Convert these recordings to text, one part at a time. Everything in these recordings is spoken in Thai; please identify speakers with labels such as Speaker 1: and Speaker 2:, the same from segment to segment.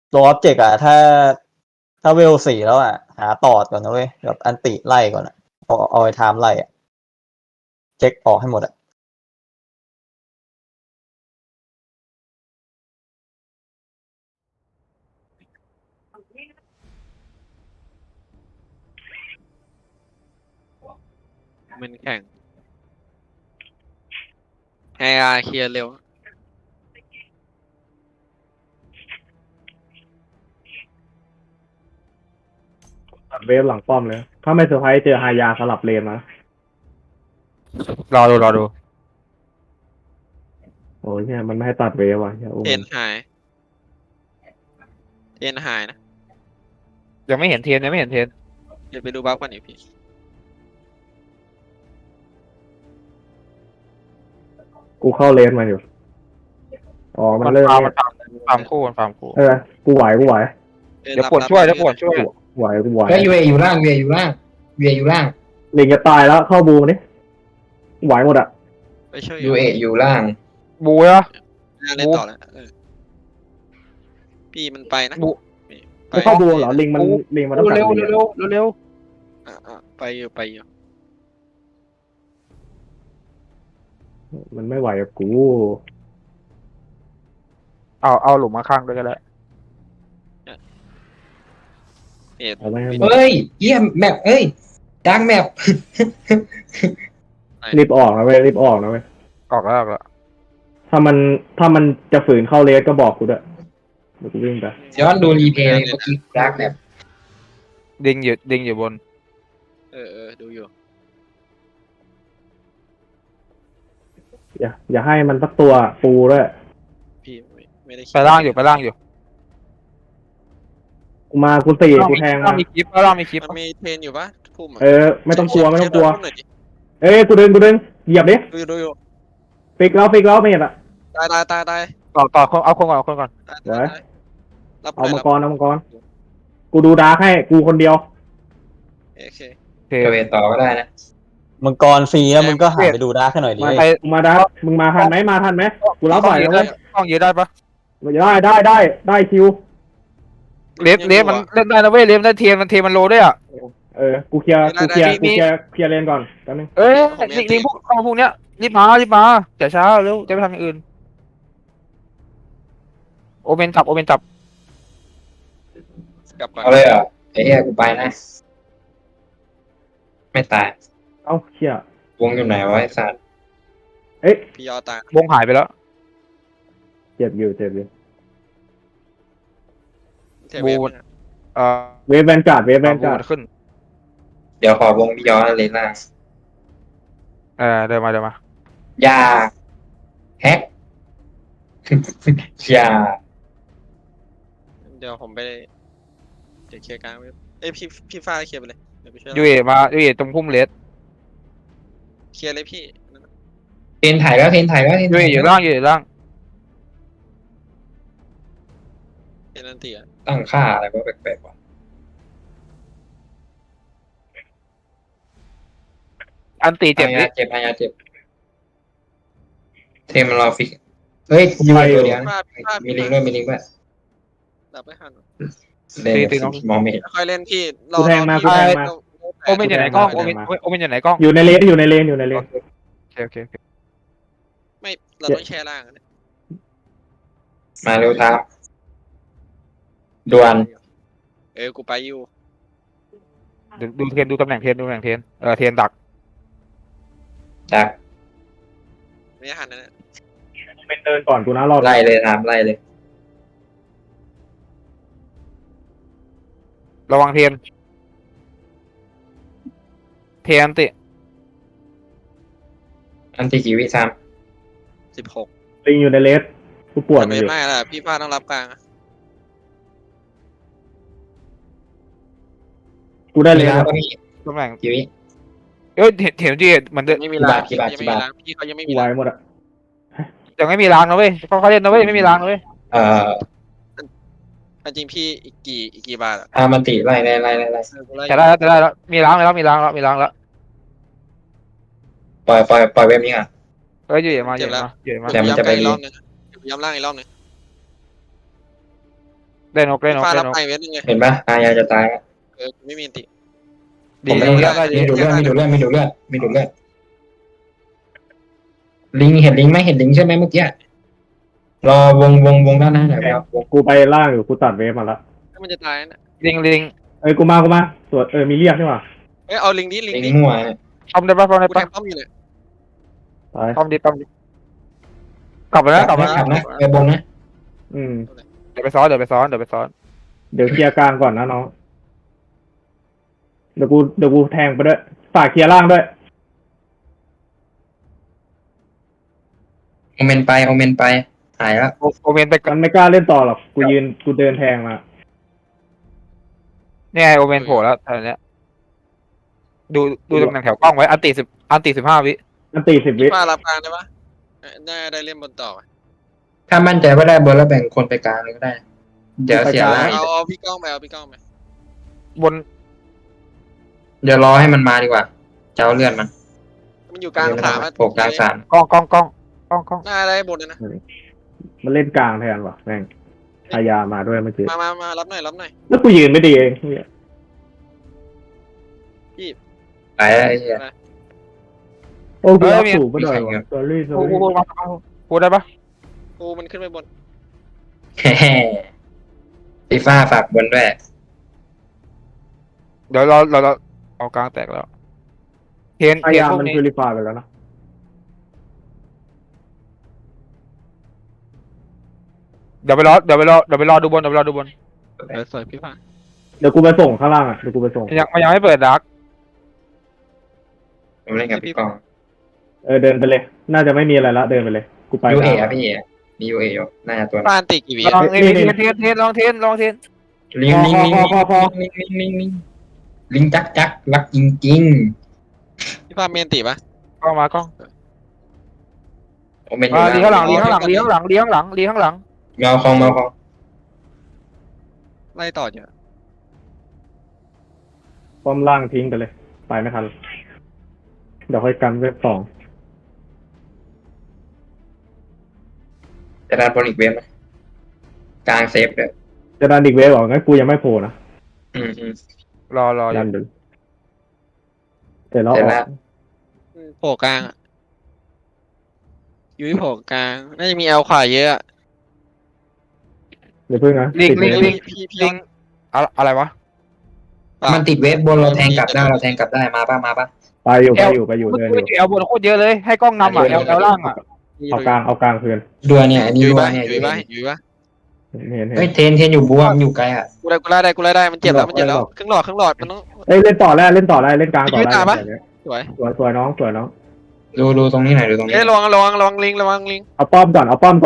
Speaker 1: ตัวออบเจกต์อะถ้าเวล4แล้วอะหาตอดก่อนนะเว้ยแบบอันติไล่ก่อนอะเอาไอ้ไทม์ไล่อะเช็คออกให้หมดอะ
Speaker 2: มันแข่งไอาเคลียร์เร็ว
Speaker 3: ตัดเวฟหลังป้อมเลย ถ้าไม่เซอร์ไพรส์เจอฮายาสลับเลนมาร
Speaker 4: อดู
Speaker 3: โอ้ยเนี่ยมันไม่ให้ตัดเวฟว่ะโอ้
Speaker 2: เทนหายเทนหายนะ
Speaker 4: ยังไม่เห็นเทียนยังไม่เห็นเทียน
Speaker 2: เดี๋ยวไปดูบัฟกันอีกพี่
Speaker 3: กูเข้าเลนมาอยู่อ๋อมันเริ่ม
Speaker 4: ฟาร์มคู่มันฟาร์มคู่
Speaker 3: กูไหว
Speaker 4: เดี๋ยวปวดช่วยเดี๋ยวปวดช่วย
Speaker 3: กูไหว
Speaker 5: ก็ยูเออยู่ล่างยูเออยู่ล่างยูเออยู่ล่าง
Speaker 3: ลิงจะตายแล้วเข้าบูมนี่ไหวหมดอ่ะ
Speaker 2: ไปช่วย
Speaker 5: ยูเออยู่ล่าง
Speaker 4: บูเหรอ
Speaker 2: น่าเล่นต่อแล้วพี่มันไปนะ
Speaker 4: บู
Speaker 2: ไป
Speaker 3: ไม่เข้าบูมเหรอลิงมันต้องตัด
Speaker 4: เร็ว
Speaker 3: ลิง
Speaker 4: เร็ว
Speaker 2: ไปอยู่
Speaker 3: มันไม่ไหวกับกู
Speaker 4: เอาหลุมมาข้างด้วยก็ได้
Speaker 2: เอ็ด
Speaker 3: เอาไว้ให้
Speaker 2: วิน
Speaker 3: หมด
Speaker 5: เฮ้ยเยี่ยมแมปเอ้ยดังแมป
Speaker 3: รีบออกนะเว้ยรีบออกนะเว้ย
Speaker 4: ออกแล้ว
Speaker 3: ถ้ามันจะฝืนเข้าเลสก็บอกกูด้วยเดี๋ยวกูวิ่งไป
Speaker 5: ย้อนดูรีเพลย์เมื่อกี้ดังแมป
Speaker 4: ดิงอยู่บน
Speaker 2: ดูอยู่
Speaker 3: อย่าให้มันสักตัวปูด้วย
Speaker 2: พี่ไม่ได้
Speaker 4: ไปล่างอยู่
Speaker 3: กูตีกูแทง
Speaker 4: ล่า
Speaker 3: มา
Speaker 4: มีคลิปล่างมีคลิป
Speaker 2: มันมีเทรนอยู่ปะพุ่ม
Speaker 3: ไม่ต้องกลัวไม่ต้องกลัว
Speaker 2: หน่อยดิ
Speaker 3: กูดึงเหยียบดิ
Speaker 2: ดูอยู่
Speaker 3: ฟิกแล้วไม่เห็นอ่ะ
Speaker 2: ตาย
Speaker 4: ต่อเอาคนก่อน
Speaker 2: รับ
Speaker 3: เอามังกรกูดูดาร์กให้กูคนเดียว
Speaker 2: โอเค
Speaker 4: เท
Speaker 5: ยูเอต่อก็ได้นะ
Speaker 1: มังกรฟรีแล้วมึงก็หาไปดูดาร์กให้หน่อยดิ
Speaker 4: ไป
Speaker 3: มึงมาดาร์กมึงมาทันไหมกูรับไหวแล้วเว้ย
Speaker 4: ต้องยืดได้ปะ
Speaker 3: ได้คิว
Speaker 4: เลฟมันเล่นได้นะเว้ยเลฟได้เทียนมันโลด้วยอ่ะ
Speaker 3: กูเคลียร์เลนก่อนแป๊บนึง
Speaker 4: เอ้ยลิงพวกเนี้ยรีบมาอย่าช้าเร็วจะไปทำอย่างอื่นโอเมนจับ
Speaker 2: กลับก่อน
Speaker 5: เอาเลยเหรอไอ้เหี้ยกูไปนะ ไม่ตาย
Speaker 3: เอ้าเชี่ยว
Speaker 5: งอยู่ไหนวะไอ้สัตว์
Speaker 2: พี่ยอตายว
Speaker 4: งหายไปแล้ว
Speaker 3: เจ็บอยู่
Speaker 2: เทเวฟ
Speaker 3: เวฟแวนการ์ด
Speaker 4: ขึ้น
Speaker 5: เดี๋ยวขอวงพี่ย้อนเลยล่าง
Speaker 4: เดินมา
Speaker 5: อย่าแฮก อย่า
Speaker 2: เดี๋ยวผมไปเดี๋ยวเคลียร์กลางเว็บพี่ฟ้าเคลียร์ไปเลยเดี๋ยวไปช่วย
Speaker 4: ยูเอตรงพุ่มเลส
Speaker 2: เคลียร์เลยพี่
Speaker 5: เทนถ่ายแล้วเทนถ่ายแล้ว
Speaker 4: ยูเออยู่ล่าง
Speaker 2: เทนนันตีอ่ะ
Speaker 5: ตั้งค่าอะไรก็แปลกๆว่ะ
Speaker 4: อันตีเจ็บนิด
Speaker 5: เจ็บเทมมันรอฟิกเฮ้ยยูไอตัวเดียวนะมีลิงด้วย
Speaker 2: ดับไม่ทัน
Speaker 5: เล่นมองไม่เห็น
Speaker 2: ค่อยเล่นพี่
Speaker 3: กูแทงมา
Speaker 4: โอเมนอยู่ไหนกล้องโอเมนอยู่ไหนกล้อง
Speaker 3: อยู่ในเลน
Speaker 4: โอเค
Speaker 2: ไม่เราต้องแชร์ล่าง
Speaker 5: มาเร็วครับด่วน
Speaker 2: กูไปอยู่
Speaker 4: ดูเทียนดูตำแหน่งเทียนเทียนดัก
Speaker 5: จาก
Speaker 2: ไม่ทันนะ
Speaker 3: เป็นเดินก่อนกูนะรอบ
Speaker 5: ไล่เลยครับไล่เลย
Speaker 4: ระวังเทียนอันติ
Speaker 5: อันที่กี่วิซ้
Speaker 2: 16
Speaker 3: ลิงอยู่ในเลนกูปวดมัน
Speaker 2: ไม่
Speaker 3: อยู่
Speaker 2: ไม่ละพี่ฟ้าต้องรับกลาง
Speaker 3: กู
Speaker 5: ำ
Speaker 3: ได้เลน
Speaker 5: ก็มี
Speaker 4: ตำแหน่ง
Speaker 5: กี่วิ
Speaker 4: เห็นจีมัน
Speaker 2: ไม่มีล้าง
Speaker 5: กี่บาท
Speaker 2: ยังไม่มีล้างพี่เขายังไม่มี
Speaker 3: ไหว
Speaker 2: ล้าง
Speaker 3: หมดอ่ะ
Speaker 4: ยังไม่มีล้างนะเว้ยเขาเล่นนะเว้ยไม่มีล้างนะเว้ย
Speaker 5: เอ่อ
Speaker 2: จริงพี่อีกกี่บาทอ่ะ
Speaker 5: มันติไล่
Speaker 4: จะได้แล้วมีล้างแล้ว
Speaker 5: ปล่อยเว็บนี้อ่ะ
Speaker 4: อยู่มา
Speaker 5: แต่มันจะไป
Speaker 2: ย้ำล่างอีกรอบนึง
Speaker 4: เได้นกได้
Speaker 2: พี่
Speaker 4: นก
Speaker 2: ฟ้า
Speaker 4: ได้
Speaker 2: รับ
Speaker 4: นก
Speaker 2: ไปเวทนึงไง
Speaker 5: เห็นปะอายาจะตายอะ
Speaker 2: กูไม่มีอันติ
Speaker 4: ดี
Speaker 5: ผมไม่
Speaker 4: ดี
Speaker 5: ได้
Speaker 4: ได้ดี
Speaker 5: มีดูดเลือดมีดูดเลือดมีดูดเลือดมีดูดเลือดลิงเห็นลิงไหมเห็นลิงใช่ไหมเมื่อกี้รอวงด้านหน้าหน่อยครับวง
Speaker 3: กูไปล่างอยู่กูตัดเวฟมาละ
Speaker 2: ถ้ามันจะตายนะ
Speaker 4: ลิง
Speaker 3: เอ้ยกูมาสวดมีเรียกใช่ป่ะ
Speaker 2: เอ้ยเอาลิงดิลิง
Speaker 5: ลิง
Speaker 2: ดิ
Speaker 5: มั่วเนี่ย
Speaker 4: ป้อมได้ปะป้อมได้
Speaker 2: กูแท
Speaker 4: ปะ
Speaker 2: งป้อมอยู่เนี่ย
Speaker 3: ตาย
Speaker 4: ป้อมดีกลับมาแล้วกลับมา
Speaker 5: ขับนะไปบนนะ
Speaker 3: อืม
Speaker 4: เดี๋ยวไปซ้อน
Speaker 3: เดี๋ยวเคลียร์กลางก่อนนะน้องเดี๋ยวกูแทงไปด้วยฝากเคลียร์ล่างด้วย
Speaker 5: โอเมนไปหายแล้ว
Speaker 4: โอเมนไป
Speaker 3: มันไม่กล้าเล่นต่อหรอกกูเดินแทงมา
Speaker 4: เนี่ยโอเมนโผล่แล้วตอนเนี้ยดูตำแหน่งแถวกล้องไว้อันตี15 วิ
Speaker 3: อันตี10 วิ
Speaker 2: พี่ฟ้ารับกลางได้ปะน่าได้เล่นบนต่อ
Speaker 5: ถ้ามั่นใจว่าได้บนแล้วแบ่งคนไปกลางเลยก็ได้ เดี๋ยวเสียล่าง
Speaker 2: เอาพี่ก้องไปเอาพี่ก้องไป
Speaker 4: บน
Speaker 5: เดี๋ยวรอให้มันมาดีกว่าจะเอาเลือดมัน
Speaker 2: มันอยู่กลางสาม
Speaker 5: โผล่กลางสาม
Speaker 4: กล้อง
Speaker 2: น่าได้บนนะ
Speaker 3: มันเล่นกลางแทนว่ะแม่งพายามาด้วยเมื่อกี้
Speaker 2: มารับหน่อย
Speaker 3: แล้วกูยืนไม่ดีเอง
Speaker 5: ไปแล้วไอ้เหี้ย
Speaker 3: โอ้กูรับสูบไปหน่อยว่ะสอรี่
Speaker 4: พูดได้ปะ
Speaker 2: กูมันขึ้นไปบน
Speaker 5: แฮ่ฟีฟ่าฝากบนด้วย
Speaker 4: เดี๋ยวเราเอากลางแตกแล้วเทน
Speaker 3: พายา
Speaker 4: พวก
Speaker 3: มัน
Speaker 4: นี้
Speaker 3: พิลิฟายไปแล้วนะ
Speaker 4: เดี๋ยวไปรอดูบน
Speaker 2: สวยพี่ฟ้า
Speaker 3: เดี๋ยวกูไปส่งข้างล่างอ่ะเดี๋ยวกูไปส่ง
Speaker 4: ยังไม่เปิดดัก
Speaker 5: ผมเล่นกับพี่กอง
Speaker 3: เดินไปเลย น่าจะไม่มีอะไรละเดินไปเลยกูไป
Speaker 5: ยูเอ
Speaker 3: แล้ว
Speaker 5: อะพี่มียูเออยู่น่าจะตัว
Speaker 2: ฟ้าอันติกี่วิ
Speaker 4: ลองเทนลองเทน
Speaker 5: ลิงลิงจักรักจริง
Speaker 2: พี่ฟ้าเมนติปะ
Speaker 4: กล้องมากล้อง
Speaker 5: ๆโอเมน
Speaker 4: ลีข้างหลัง
Speaker 5: เมาคอง
Speaker 2: ไล่ต่อเยอะ
Speaker 3: ป้อมล่างทิ้งไปเลยไปไม่ทันเดี๋ยวค่อยกันเว็บ2
Speaker 5: จะได้บอลอีกเวฟไหมกลางเซฟเด้อ
Speaker 3: จะดันอีกเวฟหรองั้นกูยังไม่โผล่นะ
Speaker 4: รอ
Speaker 3: ดันดูเดี๋ยวเราออก
Speaker 2: โผล่กลางอยู่ที่โผล่กลางน่าจะมีเอลขวาเยอะ
Speaker 3: เดี๋ยวเพิ่งนะ
Speaker 4: ลิง
Speaker 2: พี่
Speaker 4: อะไรวะ
Speaker 5: มันติดเวฟบนเราแทงกลับได้มาป่ะ
Speaker 3: ไปอยู่เดินอยู่
Speaker 4: เอลบนโคตรเยอะเลยให้กล้องนำเอลล่าง
Speaker 3: เอากลางคืน
Speaker 5: ดัวเนี่ยอันนี้
Speaker 2: อยู่
Speaker 5: ดัว
Speaker 2: ปะ
Speaker 5: เนี่ย
Speaker 2: อยู่ปะ
Speaker 3: เห็น
Speaker 5: เฮ้ยเทนอยู่บัวมันอยู่ไกลอ่ะ
Speaker 2: กูไล่ได้มันเจ็บแล้วครึ่งหลอดมันต้อง
Speaker 3: เอ้ยเล่นต่อได้เล่นกลางต่อได้
Speaker 2: สวย
Speaker 3: สวยน้อง
Speaker 5: ดูตรงนี้หน่อยดูตรงนี้
Speaker 2: เอ้ยระวังลิง
Speaker 3: เอาป้อมก่อน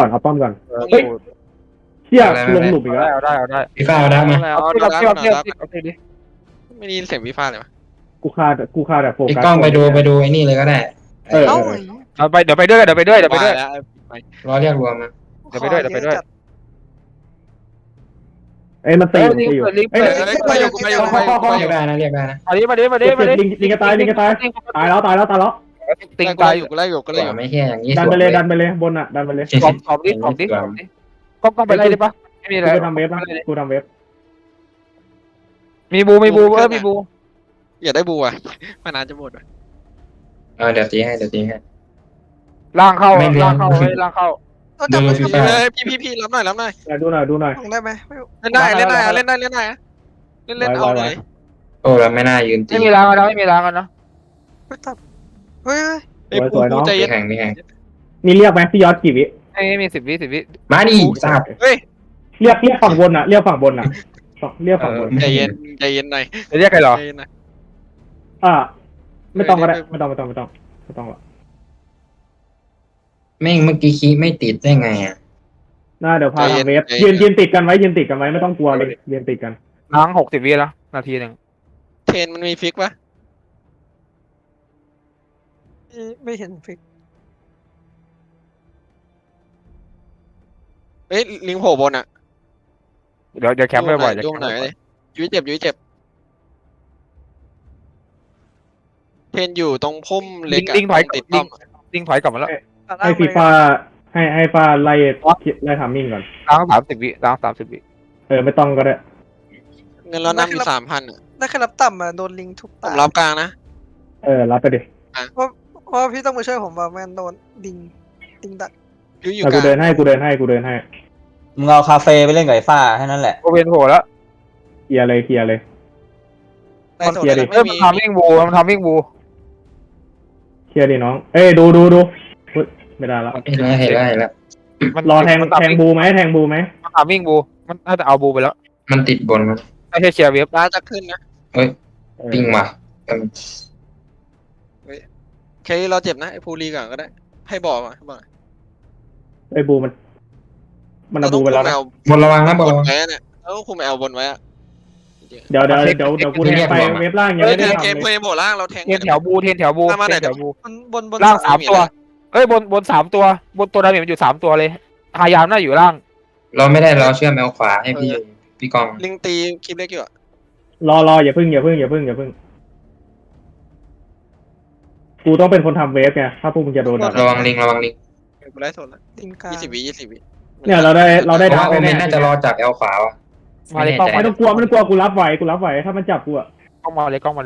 Speaker 3: เชี่ยลงหลุมอีกแล้ว
Speaker 4: เอาได้
Speaker 5: พี่ฟ้าเอาได้มา
Speaker 4: เอาดิ
Speaker 2: ไม่ได้ยินเสียงพี่ฟ้าเลยวะ
Speaker 3: กูคาแต่โฟ
Speaker 5: ไอ้
Speaker 3: กัส
Speaker 5: กล้องไปดูไอ้นี่เลยก็ได้
Speaker 3: เออ
Speaker 4: เอาไปเดี๋ยวไปด้วย
Speaker 5: รอเรียกรวมมา
Speaker 4: เดี๋ยวไปด้วย
Speaker 3: เอ้ยมันตีอยู่
Speaker 4: เอ้ย
Speaker 2: ไปอยู่
Speaker 5: เรียกได้นะ
Speaker 4: มาดิ
Speaker 3: ลิงกระตายตายแล้ว
Speaker 4: ติง
Speaker 2: ตา
Speaker 4: ตาย ย
Speaker 2: อยู่กูไล่อยู่
Speaker 5: ไม่แค่อย่างนี้
Speaker 3: ดันไปเลยบนอ่ะดันไปเลย
Speaker 4: สอบดิกล้องไปเลยได้ปะไม่มีอะไร
Speaker 3: กูทำเว็บ
Speaker 4: มีบูมีบู
Speaker 2: อย่าได้บูอ่ะมันนานจะหมด
Speaker 5: เดี๋ยวตีให้
Speaker 4: ล่างเข้า
Speaker 2: พี่รับหน่อย
Speaker 3: ดูหน่อย
Speaker 2: ได้ไหมเล่นได้เล่นเอาเลย
Speaker 5: โอ้เราไม่น่ายืนตี
Speaker 4: ไม่มีล้างกันนะ
Speaker 2: เฮ้ยปูใจเย็น
Speaker 5: แข่ง
Speaker 3: มีเรียกไหมพี่ยอดกี่วิ
Speaker 4: ไม่มี10 วิ
Speaker 5: มาดิทราบ
Speaker 2: เฮ้ย
Speaker 3: เรียกฝั่งบนอ่ะเรียกฝั่งบน
Speaker 2: ใจเย็นหน่อย
Speaker 4: จะเรียกใครหรอ
Speaker 3: ไม่ต้องก็ได้ไม่ต้องหรอก
Speaker 5: แม่งเมื่อกี้คีไม่ติดได้ไงอ่ะ
Speaker 3: น่าเดี๋ยวพาทางเว็บยืนติดกันไว้ไม่ต้องกลัวเลยยืนติดกัน
Speaker 4: ล้าง60 วิแล้วนาทีนึง
Speaker 2: เทนมันมีฟิกปะ
Speaker 6: ไม่เห็นฟิก
Speaker 2: เฮ้ยลิงโผล่บนอ่ะ
Speaker 4: เดี๋ยวแคปบ่อยๆ
Speaker 2: ยุ่งหน่อยเลยยุ้ยเจ็บเทนอยู่ตรงพุ่มเล็ก
Speaker 4: ลิงถอย
Speaker 2: ติดป้อม
Speaker 4: ลิงถอยกลับมาแล้ว
Speaker 3: ให้ฟีฟ่าให้ฟ้าไล่ทามมิ่งก่อน
Speaker 4: ล้าง30 วิ
Speaker 3: ไม่ต้องก็ได้
Speaker 2: เงินเรานำอยู่3,000อ่ะ
Speaker 6: ได้แค่รับต่ำอ่ะโดนลิงทุบ
Speaker 2: ผ
Speaker 6: ตาม
Speaker 2: รับกลางนะ
Speaker 3: รับไปดิ
Speaker 6: เพราะว่าพี่ต้องมาช่วยผมว่าแม่งโดนลิงดัก
Speaker 2: อยู่
Speaker 3: แต่
Speaker 2: ก
Speaker 3: กู
Speaker 2: ลาง
Speaker 3: เดินให้กูเดินให้
Speaker 1: มึงเอาคาเฟ่ไปเล่นกับไอ้ฟ้าแค่นั้นแหละ
Speaker 4: โอเวนโผล่แล้ว
Speaker 3: เคลียร์เลย
Speaker 2: ได้โซน
Speaker 3: เคลียร์ดิ
Speaker 2: แล้ว
Speaker 4: เอ้
Speaker 2: ไม่
Speaker 4: ย
Speaker 2: มี
Speaker 4: มันทำวิ่งบูมันทำวิ่งบู
Speaker 3: เคลียร์ดิน้องดูเฮ้ยไม่ได้ละ
Speaker 5: เห็นแล้ว
Speaker 4: มัน
Speaker 3: รอแทง
Speaker 4: มัน
Speaker 3: แทงบูไหม
Speaker 4: มันทำวิ่งบูมันน่าจะเอาบูไปแล้ว
Speaker 5: มันติดบนมัน
Speaker 4: ไม่ใช่เชียร์เวฟ
Speaker 2: ร้านจะขึ้นนะ
Speaker 5: ปิ้งว่ะ
Speaker 2: เคลลี่เราเจ็บนะไอ้ภูรีก่อนก็ได้ ให้บอกมาให้บอก
Speaker 3: ไอ้บูมันเอาบูไปแล้วนะ
Speaker 5: บนระวังนะบน
Speaker 2: บ
Speaker 5: ระ
Speaker 2: น
Speaker 5: วัง
Speaker 2: ไว้เนี่ยเราต้องคุมแอลบนไว้อะ
Speaker 3: เดี๋ยวกูแทงไปเว็บล่างยัง
Speaker 2: เฮ้ย
Speaker 3: ไม่ได้
Speaker 2: เกม
Speaker 3: ทำ
Speaker 2: เพ
Speaker 3: เลย
Speaker 2: ย์โบล่างเราแทง
Speaker 4: เทียนแถวบูเทียนแถวบู
Speaker 2: มาไหน
Speaker 4: เทียนแถวบู
Speaker 6: บน
Speaker 4: ล่าง3 ตัวเอ้ยบน3 ตัวบนตัวดาเมจมันอยู่3 ตัวเลยพยายามน่าอยู่ล่าง
Speaker 5: เราไม่ได้เราเชื่อมแมวขวาให้พี่กอง
Speaker 2: ลิงตีคลิปเล็กอยู่อะ
Speaker 3: รออย่าพึ่งกูต้องเป็นคนทำเวฟไงถ้าพวกมึงจะโดนดัก
Speaker 5: ระวังลิง
Speaker 2: กูไล่โซนละ
Speaker 6: ลิงกลาง
Speaker 2: 20 วิ
Speaker 3: เนี่ยเราได้
Speaker 5: เพราะ
Speaker 3: ดัก
Speaker 5: ว่าโอเมน
Speaker 3: แน่
Speaker 5: น่าจะรอจากแอลขวาว่ะ
Speaker 4: มาเลยกล้อง
Speaker 3: ไม่ต้องกลัวกูรับไหวถ้ามันจับกูอ่ะ
Speaker 4: กล้องมาเลย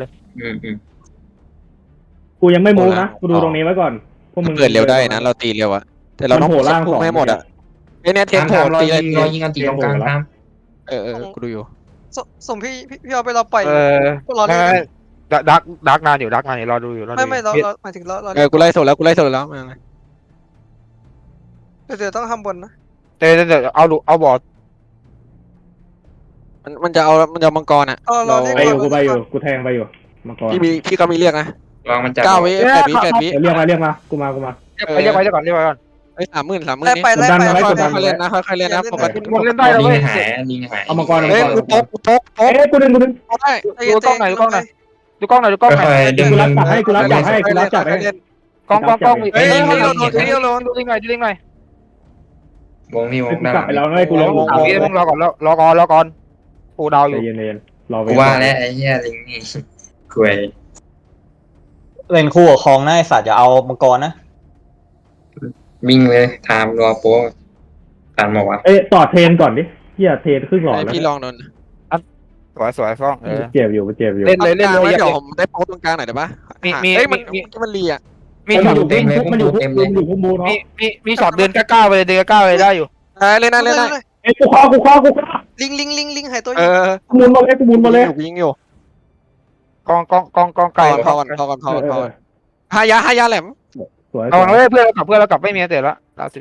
Speaker 3: กูยังไม่มูฟนะกูดูตรงนี้ไว้ก่อนพวกมึง
Speaker 2: เกิดเร็วได้นะเราตีเร็วอะแต่เราต้อง
Speaker 3: มันโผล่ล่าง
Speaker 2: พุ่
Speaker 3: สอง
Speaker 2: ให้หมดอะไอ้เนี่ยเทนโผล่
Speaker 5: รอ
Speaker 2: ตี
Speaker 5: ยิงอันตีตรงกลางตาม
Speaker 2: กูดูอยู่
Speaker 6: ส่งพี่เอาไปเราปล่อย รอเล่น
Speaker 4: ไม่ดักนานอยู่รอดูอยู่
Speaker 6: ไม่เราหมายถึงเรา
Speaker 2: กูไล่โซนแล้วมา
Speaker 6: เดี๋ยวต้องทำบนนะ
Speaker 4: เดี๋ยวเอาบอร์ด
Speaker 2: มันจะเอามังกรอะ
Speaker 6: เราเรียก
Speaker 3: ไปอยู่กูแทงไปอยู่มาก่อน
Speaker 2: พี่ก็มีเรียกนะ
Speaker 5: ลองมันจับ
Speaker 2: 9 วิ8 วิ
Speaker 3: เรียกมากูมา
Speaker 4: เรียกไว้ก่อน
Speaker 2: ไอ้30,000
Speaker 6: ไล่ไป
Speaker 2: ค่อยเล่นนะค่อยเล่นนะผมก็
Speaker 4: มันเล่นได้แล้ว
Speaker 5: ลิ
Speaker 4: เว้
Speaker 5: ง
Speaker 4: ย
Speaker 5: หายลิงหาย
Speaker 3: เอามังกร
Speaker 2: เฮ้ยกูตก
Speaker 3: กูดึง
Speaker 2: ได้
Speaker 4: ดูกล้องหน่อยดูกล้องหน่อยดูกล้องหน่อย
Speaker 5: ดึง
Speaker 3: กูรับจับให้
Speaker 4: กล้อง
Speaker 2: เฮ้ย
Speaker 4: ดูลิงหน่อยว
Speaker 5: งนี่วง
Speaker 3: กูกลับไปแล้วนะกูลง
Speaker 4: 3 วิต้องรอก่อนปูดาวอ
Speaker 3: ใจ
Speaker 4: ยู่
Speaker 3: เย็นรอ
Speaker 5: กูว่าแล้วไอ้เหี้ยลิงนี่คุย
Speaker 1: เล่นคู่กับคองนะไอ้สัตว์อย่าเอามังกรนะ
Speaker 5: วิ่งเลยไทม์รอโป๊ะตามมาวัด
Speaker 3: ต่อเทรนก่อนดิเฮียเทรนครึ่งหลอดแล้ว
Speaker 2: พี่ลองโดน
Speaker 4: สวยฟ้อง
Speaker 3: เจ็บอยู่
Speaker 4: เล่นเลย
Speaker 2: เดี๋ยวผมได้โป๊ตรงกลางหน่อยได้ปะเฮ้ยมันรีอะ
Speaker 4: มี
Speaker 3: มัน
Speaker 4: ช็อต
Speaker 3: อยู่พุ่มบูเนาะ
Speaker 4: มีช็อตเดินก้าวไปเลยได้อยู่
Speaker 2: เล่นได้
Speaker 3: กูคอ
Speaker 6: ลิงหายตัวอ
Speaker 2: เอยู่
Speaker 3: กูมุนมาเลย
Speaker 2: ยิงอยู่
Speaker 4: กองไก่
Speaker 2: พอก่อนหายาแหลม
Speaker 3: สวย
Speaker 4: ระวังเลยเพื่อนเรากลับไม่มีเตะละล่าสุด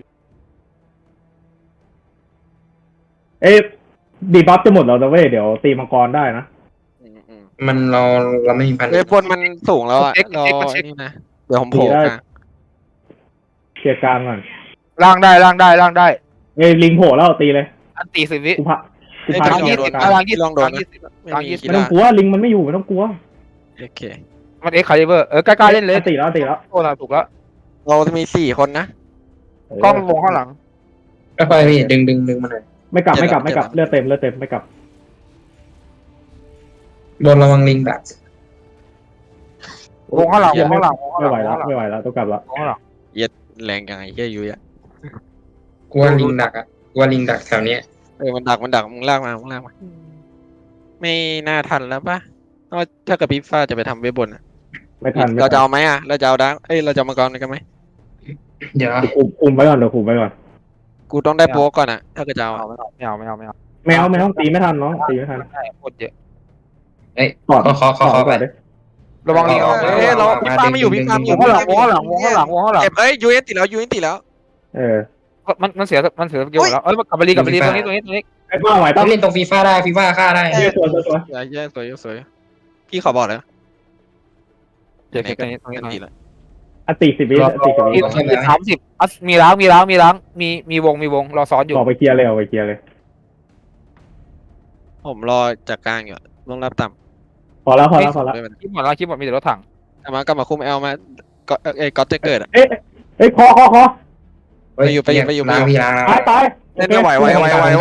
Speaker 3: ดีบัฟจะหมดแล้วนะเว้ยเดี๋ยวตีมังกรได้นะ
Speaker 5: มันเราไม่มีพัน
Speaker 2: เว็บบนมันสูงแล้วอ่ะรอนี่นะเดี๋ยวผมโผล่กลาง
Speaker 3: เคลียร์กลางก่อน
Speaker 4: ล่างได้
Speaker 3: ลิงโผล่แล้วตีเลย
Speaker 4: อันตี10 วิ
Speaker 3: กูพา
Speaker 4: ล่าง
Speaker 2: ลองโดน
Speaker 3: ไม่ต้องกลัวลิงมันไม่อยู่ไม่ต้องกลัว
Speaker 2: โอเค
Speaker 4: มันคาลิเบอร์ใกล้ๆเล่นเลย
Speaker 3: ตีแล้ว
Speaker 4: โอ้น่าถูกแล้ว
Speaker 2: เราจะมี4 คนนะ
Speaker 4: กล้องวงข้างหลัง
Speaker 5: ค่อยๆพี่ดึงมันเลย
Speaker 3: ไม่กลับเลือดเต็มไม่กลับ
Speaker 5: โดนระวังลิงดัก
Speaker 4: วงข้างหลัง
Speaker 3: ไม่ไหวแล้วต้องกลับแล้ว
Speaker 4: วงข้างหลัง
Speaker 2: แรงยังไงเฮียยุ้ยอ่ะ
Speaker 5: กลัวลิงดักอ่ะกลัวลิงดักแถวเนี้ย
Speaker 2: มันดักมึงลากมาไม่น่าทันแล้วปะถ้ากับพี่ฟ้าจะไปทำเว็บบน
Speaker 3: ไม่ทัน
Speaker 2: เราจะเอาไหมอ่ะเราจะเอาดังเราจะมังกรกันไหม
Speaker 5: เดี๋ยว
Speaker 3: คุมไว้ก่อน
Speaker 2: กูต้องได้โป๊ก่อนอ่ะถ้าเกิดจะเอา
Speaker 4: ไม่เอา
Speaker 3: ไม่ต้องตีไม่ทันน้องตีไม่ทัน
Speaker 4: โคตรเยอะ
Speaker 5: ขอไป
Speaker 4: ระวังลิง
Speaker 2: เราพี่ฟ้าไม่อยู่พี่ฟ้าไม่อยู่
Speaker 4: วงข้างหลัง
Speaker 2: เอ้ยยูเอสติดแล้ว
Speaker 4: มันเสียสกิลแล้วกลับไปรีตรงนี้
Speaker 3: ไอ้บ้าไหว
Speaker 5: ต้องเล่นตรงฟีฟ่าได้ฟีฟ่าฆ่าได้
Speaker 3: สวย
Speaker 2: แย่สวยพี่ขอบอกเลย
Speaker 4: เดี๋ยวตรงนี้
Speaker 3: อติ10 วิ
Speaker 4: 30มีล้างมีวงรอซ้อนอยู่
Speaker 3: ออกไปเคลียร์เลย
Speaker 2: ผมรอจากกลางอยู่ลงรับต่ำ
Speaker 3: พอแล้ว
Speaker 4: คลิปหมดมีแต่รถถัง
Speaker 2: กลับมาคุมเอลมาก็จะเกิดอ่ะ
Speaker 3: คอ
Speaker 2: ไปอยู่
Speaker 5: ล้างพี่ล้าง
Speaker 3: ตาย
Speaker 2: เล่นไม่ไหว
Speaker 4: ไม่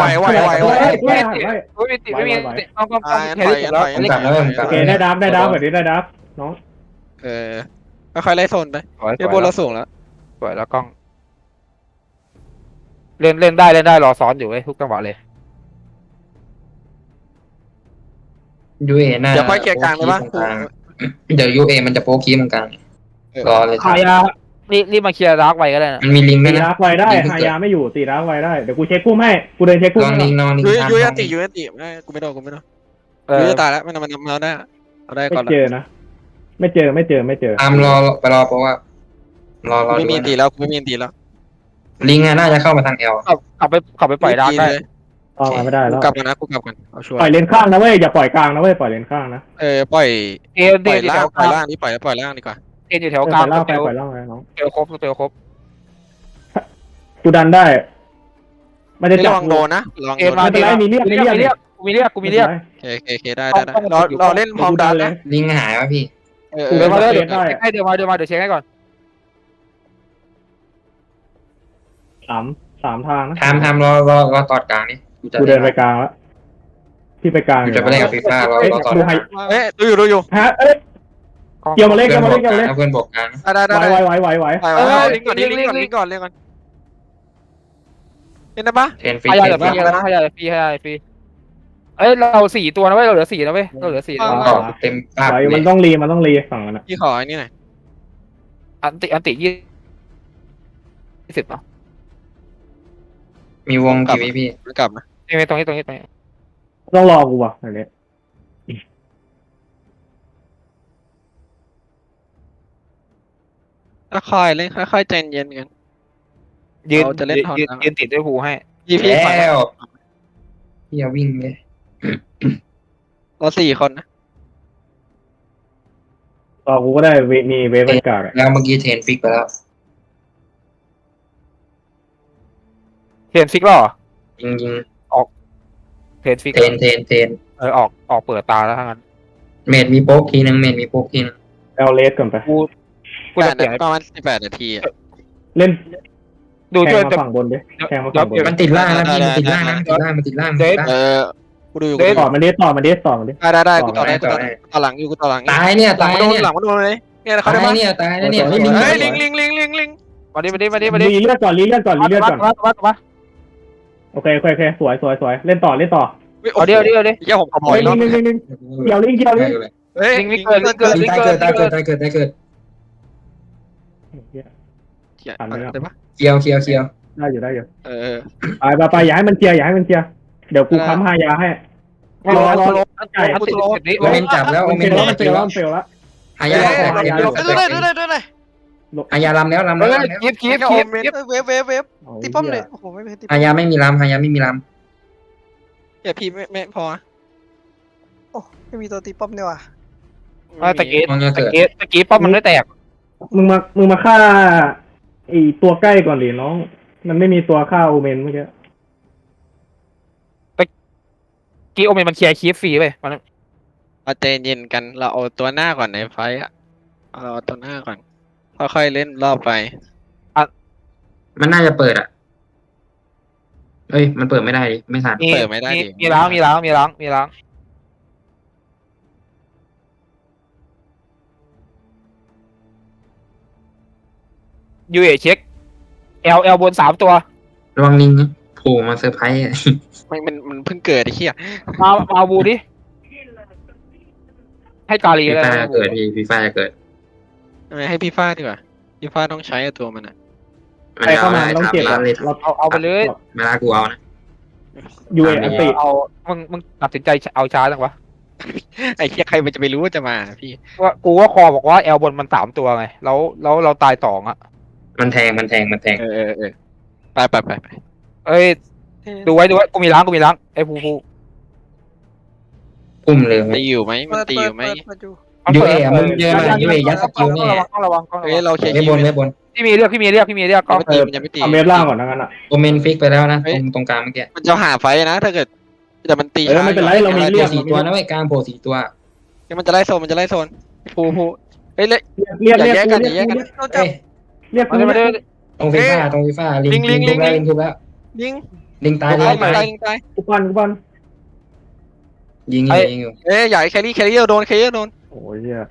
Speaker 4: มีต้องแครี่แล้ว
Speaker 5: ผมกลับแล้วผมกลับ
Speaker 3: โอเคได้ดับแบบนี้ได้ดับน้อง
Speaker 2: ค่อยไล่โซนไปเดี๋ยวบนเราสูงแล้ว
Speaker 4: สวยแล้วกล้องเล่นได้รอซ้อนอยู่ทุกจังหวะเลย
Speaker 5: ยูเอน่า
Speaker 2: เดี๋ยวค่อยเคลียร์กลางเลยปะ
Speaker 5: โป๊คีตรงกลางเดี๋ยวยูเอมันจะโป๊คีตรงกลางรอเลย
Speaker 4: ฮายารีบมาเคลียร์ดาร์กไว้ก็ได้นะ
Speaker 5: มันมีลิงก์ไหม
Speaker 3: ตี
Speaker 5: นะ
Speaker 3: รักไว้ได้ฮายาไม่อยู่ตีรักไว้ได้เดี๋ยวกูเช็คกุ้มให้กูเดินเช็คกุ้
Speaker 5: ล
Speaker 3: ม
Speaker 5: อง
Speaker 3: ให้
Speaker 5: ลิงก์ลองลิง
Speaker 2: ยุ้ย
Speaker 5: ก์
Speaker 2: ยุ้ย
Speaker 5: ตาม
Speaker 2: อันติยุ้ยอันติไม่กูไม่โดนกูไม่โดน
Speaker 4: เออ
Speaker 2: ยุ้ยจะตายแล้วมันเอาได้เอาได้
Speaker 3: ไม่
Speaker 2: ก่อน
Speaker 3: เจอนะไม่เจอ
Speaker 5: ตามรอไปรอเพราะว่ารอ
Speaker 2: กูไม่มี
Speaker 5: ดู
Speaker 2: อันติแล้วกูไม่มีอันติแล้ว
Speaker 5: ลิงก์น่าจะเข้ามาทางเอล
Speaker 4: กลับไปปล่อยดาร์กได้
Speaker 3: ออกมาไม่ได้
Speaker 2: กู
Speaker 3: แล้ว
Speaker 2: กลับกันนะกูกลับกันเอาชัวร์
Speaker 3: ปล่อยเลนข้างนะเว้ยอย่าปล่อยกลางนะเว้ยปล่อยเลนข้างนะ
Speaker 2: ปล่อย
Speaker 4: เอ็น
Speaker 2: ปล่อย
Speaker 4: อยู่
Speaker 2: ล่า
Speaker 4: แถ
Speaker 2: ง
Speaker 4: ว
Speaker 2: ปล่อย
Speaker 4: กลา
Speaker 2: ล่าง งนี่ปล่อยล่างดีกว่า
Speaker 4: เอ็นอยู่แถว
Speaker 3: ป
Speaker 4: กลาง
Speaker 3: ล่อยล่างไป
Speaker 4: เตล
Speaker 3: ปล่อยล่างไปน้อง
Speaker 4: เตลครบเตลครบ
Speaker 3: กูดันได้ไม่ได้
Speaker 2: ไม่
Speaker 3: จั
Speaker 2: ล
Speaker 3: บ
Speaker 2: องโดนนะลอง
Speaker 4: เอ็
Speaker 2: โด
Speaker 4: น
Speaker 2: น
Speaker 4: มา
Speaker 3: ไม่เป็นไรมีเรียก
Speaker 4: กูมีเรียก
Speaker 2: โอเคได้รอเล่นพร้อมดันนะ
Speaker 5: ลิงก์หายวะพี่
Speaker 4: เดินมาเลย
Speaker 3: เดินได้
Speaker 4: ให้เดินมาเดี๋ยวเช็คให้ก่อน
Speaker 3: สามทางนะ
Speaker 5: ทำรอตอดกลางนี่
Speaker 3: กูเดินไปกลางแล้วที่ไปกลาง
Speaker 5: กูจะไปเล่นกับฟีฟ่ารอตอด
Speaker 3: ดูให้
Speaker 2: ดูอยู่
Speaker 3: ฮะเอ้ยเกี่ยวมาเล่น
Speaker 5: เพื่
Speaker 3: เกี่
Speaker 5: อย น
Speaker 3: วมา
Speaker 5: บ
Speaker 3: เล่
Speaker 5: อน ก
Speaker 3: เกี่ยว
Speaker 5: ก
Speaker 3: มา
Speaker 5: ลาง
Speaker 3: เล่น
Speaker 5: เพื่อนบอกกลาง
Speaker 2: ได้
Speaker 3: ไหว
Speaker 2: ลิงก่อนเล่นได้ปะ
Speaker 5: เทนฟรี
Speaker 4: ให้ยาเดี๋ยวฟรีแล้วนะให้ยาฟรีเอ้ยเรา4 ตัวนะเว้ยเราเหลือ4นะเว้ยเราเหลือ4
Speaker 5: ต่อเต็มภาพ
Speaker 3: ไหว
Speaker 5: เล
Speaker 3: มัน
Speaker 5: ย
Speaker 3: ต้องรีฝั่งนั้น
Speaker 2: พี่ขอไอ้นี่หน่อย
Speaker 4: อันติ20เนาะ
Speaker 5: มีวงกี่วิพี่
Speaker 2: กลับนะ
Speaker 4: ตรงนี้
Speaker 3: ต้องรอกูว่ะอันนี้
Speaker 2: ค่อยเล่นค่อยใจเย็นกัน
Speaker 4: ยืน
Speaker 2: เราจะเล่นทอนนะ
Speaker 4: ยืนติดด้วยภูให้
Speaker 2: พี่
Speaker 5: แล้วพี่อย่าวิ่งเลย
Speaker 2: เรา4 คนนะ
Speaker 3: รอกูก็ได้มีเวฟบรรยากาศ
Speaker 5: แล้วเมื่อกี้เทนฟิกไปแล้ว
Speaker 4: เทนฟิกหรอ
Speaker 5: ยิง
Speaker 4: เทนฟิก
Speaker 5: เทน
Speaker 4: ออกเปิดตาแล้วทั้งนั้น
Speaker 5: เมดมีโป๊กทีนึงเมดมีโป๊กทีนึง
Speaker 3: เอาเลสก่อนไป
Speaker 4: กูจะเปลี่ยน
Speaker 2: ประมาณ18 นาที
Speaker 3: เล่น
Speaker 4: ดู
Speaker 3: แท
Speaker 4: ช่วย
Speaker 3: งมาฝั่งบนดิแทงมาฝั่งบน
Speaker 5: มันติดล่างนะพี่มันติดล่างนะมันติดล่าง
Speaker 2: กูดูอยู่
Speaker 3: ต่อมาดิต่อมาดิ
Speaker 2: ได้กูต่อหลังอยู่กูต่อหลัง
Speaker 5: ตายเนี่ย
Speaker 2: หลั
Speaker 5: ตาง ย
Speaker 2: มาโดน
Speaker 5: เนี่ย
Speaker 2: หลังมาโดนเลยเนี่ยเขา
Speaker 5: ตา
Speaker 2: ได้
Speaker 5: ย
Speaker 2: ปะ
Speaker 5: เนี่ยตายเนี่ย
Speaker 2: เฮ้ยลิง
Speaker 4: มาดิ
Speaker 3: รีเลือดก่อน
Speaker 4: มา
Speaker 3: โอเคสวยเล่นต่อ
Speaker 4: เดี๋ยว
Speaker 2: เดี๋ยวผมขโมย
Speaker 3: ลิงเกี่ยวลิง
Speaker 2: เฮ้ย
Speaker 4: ลิงเกิด
Speaker 5: ตายเกิด
Speaker 2: ได้ปะ
Speaker 5: เคียว
Speaker 3: ได้อยู่ ไปอย่าให้มันเคลียร์เดี๋ยวกูค้ำฮายาให้
Speaker 4: รอ
Speaker 5: โอเมนจับแล้วโอเมน
Speaker 3: มันเฟลแล้ว
Speaker 5: หายา
Speaker 6: ด้วย
Speaker 5: หายาลำแล้ว
Speaker 4: คีบ
Speaker 6: เวฟตีป้อมเลยโอ้โหไม่เป็นตี
Speaker 5: หายาไม่มีลำหายาไม่มีล
Speaker 2: อย่าพี่ไม่พอ
Speaker 6: โอ้ไม่มีตัวตีป้อมเนี่ยว่ะ
Speaker 4: ตะกี้
Speaker 5: ำมองจะเกิด
Speaker 4: ตะกี้ป้อมมันไม่แตก
Speaker 3: มึงมาฆ่าไอตัวใกล้ก่อนดิน้อง มันไม่มีตัวฆ่าโอเมนเมื่อกี้
Speaker 4: กี้โอเมนมันเคลียร์คีบฟรีไปมัน
Speaker 2: เราใจเย็นกันเราเอาตัวหน้าก่อนในไฟอ่ะเราเอาตัวหน้าก่อนค่อยๆเล่นรอบไป
Speaker 5: มันน่าจะเปิดอ่ะเอ้ยมันเปิดไม่ได้ไม่ทัน
Speaker 4: มีล้างยูเอเช็คเอลบน3 ตัว
Speaker 5: ระวังลิงโผล่มาเซอร์ไพรส์
Speaker 2: มันเพิ่งเกิดไอ้เหี้ย
Speaker 4: มาบูดิให้กาลี
Speaker 5: ฟี
Speaker 4: เลย
Speaker 5: ฟ่าเกิดพี่ฟีฟ่าจะเกิด
Speaker 2: ให้พี่ฟ้าดีกว่าพี่ฟ้าต้องใช้ตัวมันอ่ะ
Speaker 5: มัน
Speaker 3: ใครเข้า
Speaker 5: เอา
Speaker 3: มา
Speaker 5: อะไร
Speaker 3: ต้อง
Speaker 5: ถาม
Speaker 3: เจ็บ
Speaker 5: ร้านเลย
Speaker 4: เอาไปเลย
Speaker 5: เวลากูเอานะ
Speaker 3: ยูเออันติ
Speaker 4: เอามึงตัดสินใจเอาช้าจังวะ
Speaker 2: ไอ้เหี้ยใครมันจะไปรู้ว่าจะมาพี่
Speaker 4: ว่ากูว่าคอบอกว่าแอลบนมัน3 ตัวไงแล้วเราตาย2อ่ะ
Speaker 5: มันแทง
Speaker 2: ไป
Speaker 4: เอ้ยดูไว้กูมีล้างไอ้ภู
Speaker 5: พุ่มเลย
Speaker 2: ตีอยู่ไหมมันตีอยู่ไหม
Speaker 6: เปิดอยู่
Speaker 5: ยูเอมึงเจอมายูเอยัดสกิลนี่
Speaker 4: ต้องระวัง
Speaker 2: เฮ้ยเราเคลียร์
Speaker 5: ไม่
Speaker 2: คิ
Speaker 5: บ
Speaker 2: วน
Speaker 5: ไม่บน
Speaker 4: พี่มีเรียกก็
Speaker 2: มันตีมันยังไม่ตี
Speaker 3: เอาเวฟล่างก่อนงั้นอ่ะ
Speaker 5: โอเมนฟิกไปแล้วนะตรงกลางเมื่อกี้
Speaker 2: มันจะหาไฟนะถ้าเกิดแต่มันตี
Speaker 3: ไม่เป็นไรเรามี
Speaker 5: โผ
Speaker 3: เรี
Speaker 5: ล่
Speaker 3: ยก
Speaker 5: 4 ตัวนะเว้ยกลางโผล่4 ตัว
Speaker 2: มันจะไล่โซนภูเฮ้ย
Speaker 3: เรียก
Speaker 6: เราจับ
Speaker 3: เรียก
Speaker 4: มาดิ
Speaker 5: ตรงฟีฟ่าลิงทุบแล้ว
Speaker 2: ยิง
Speaker 5: ลิงตาย
Speaker 2: ตาย
Speaker 3: กูปั้น
Speaker 5: ยิงอยู่
Speaker 2: เอ้ยใหญ่แครี่โดน
Speaker 3: โอ้ยเหี้ย